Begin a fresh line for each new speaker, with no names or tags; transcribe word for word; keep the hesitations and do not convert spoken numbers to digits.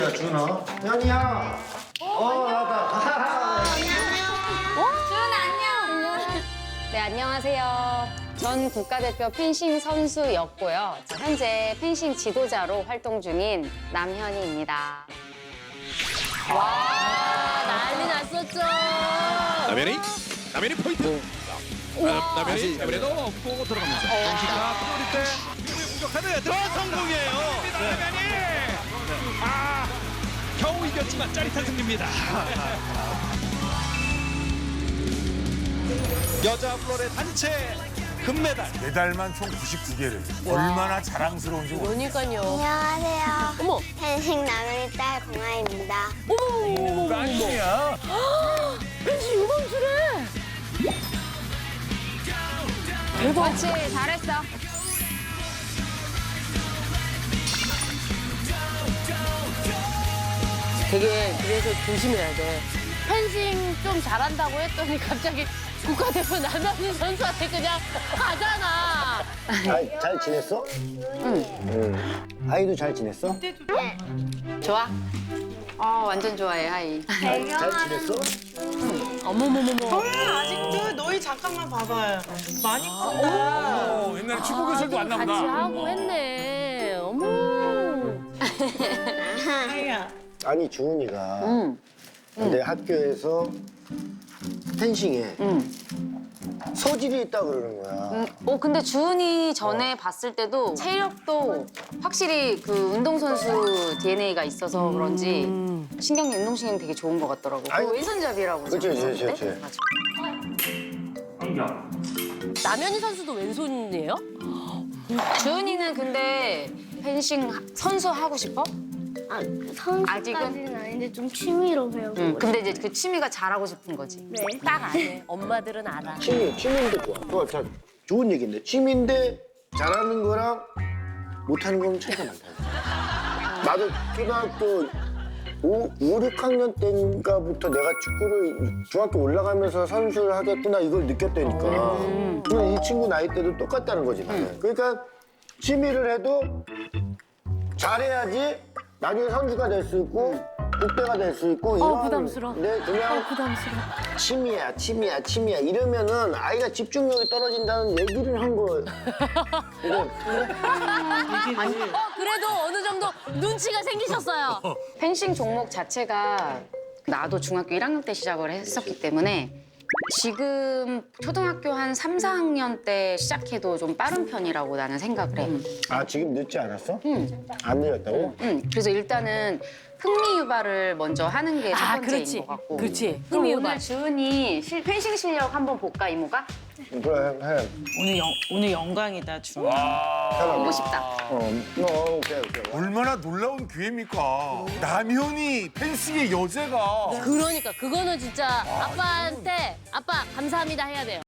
야, 준아. 현이야. 어, 나다.
네, 안녕하세요. 전 국가대표 펜싱 선수였고요. 현재 펜싱 지도자로 활동 중인 남현희입니다.
와, 난리 났었죠.
남현이 남현이 포인트. 나- 남현이 남현이도 없고 들어가면서 정식과 프로리 때 공격하는 들어 성공이에요. 남현이 아 겨우 이겼지만 짜릿한 승리입니다. 여자 플로레 단체 금메달.
메달만 총 구십구 개를. 얼마나 자랑스러운지 모르겠어요.
그러니까요.
안녕하세요.
어머.
펜싱 나누리 딸 공아입니다.
이거 아니야.
펜싱 유망주래.
그렇지, 잘했어.
되게 그래서 조심해야 돼. 펜싱 좀 잘한다고 했더니 갑자기 국가대표 남현희 선수한테 그냥 가잖아.
잘, 잘 지냈어? 응. 응. 아이도 잘 지냈어?
좋아? 어, 완전 좋아해, 하이.
잘 지냈어?
어머머머머.
아직도 너희 잠깐만 봐봐요. 많이 컸다.
어, 옛날에 축구 교실도 왔나
같이
보다.
하고 했네. 어머.
하이야.
아니, 주은이가
응.
내 학교에서 펜싱에
응.
소질이 있다 그러는 거야.
음, 어, 근데 주은이 전에 봤을 때도 체력도 확실히 그 운동선수 디엔에이가 있어서 그런지 신경이, 운동신경 되게 좋은 것 같더라고.
아니,
그 왼손잡이라고.
그치, 그치, 그치,
생각했는데?
그치.
맞아.
남현희 선수도 왼손이에요?
주은이는 근데 펜싱 선수 하고 싶어?
아,
아직은?
선수까지는 아닌데 좀 취미로 배우고.
응. 근데 이제 그 취미가 잘하고 싶은 거지.
네.
딱 아네. 엄마들은 알아.
취미, 취미인데 좋아. 그거 참 좋은 얘기인데. 취미인데 잘하는 거랑 못하는 건 차이가 많다. 나도 초등학교 오, 오, 육 학년 때인가부터 내가 축구를 중학교 올라가면서 선수를 하겠구나 이걸 느꼈다니까. 그럼 이 친구 나이 때도 똑같다는 거지. 나는. 그러니까 취미를 해도 잘해야지 나중에 선수가 될 수 있고 국대가 될 수 있고 이런.
어, 부담스러워.
네, 그냥
어, 부담스러워.
취미야, 취미야, 취미야 이러면은 아이가 집중력이 떨어진다는 얘기를 한 거예요. 근데
어, 그래도 어느 정도 눈치가 생기셨어요.
펜싱 종목 자체가 나도 중학교 일 학년 때 시작을 했었기 때문에 지금 초등학교 한 삼, 사 학년 때 시작해도 좀 빠른 편이라고 나는 생각을 해.
아 지금 늦지 않았어?
응.
안 늦었다고?
응. 그래서 일단은 흥미 유발을 먼저 하는 게 첫
아,
번째인
그렇지.
것 같고.
그렇지.
그럼
흥미
오늘
유발.
주은이 실- 펜싱 실력 한번 볼까, 이모가?
그래, 해.
오늘 영 오늘 영광이다 주.
보고 싶다.
어, 어, 오케이, 오케이.
얼마나 놀라운 기회입니까? 남현이 펜싱의 여제가.
그러니까 그거는 진짜 아빠한테 아빠 감사합니다 해야 돼요.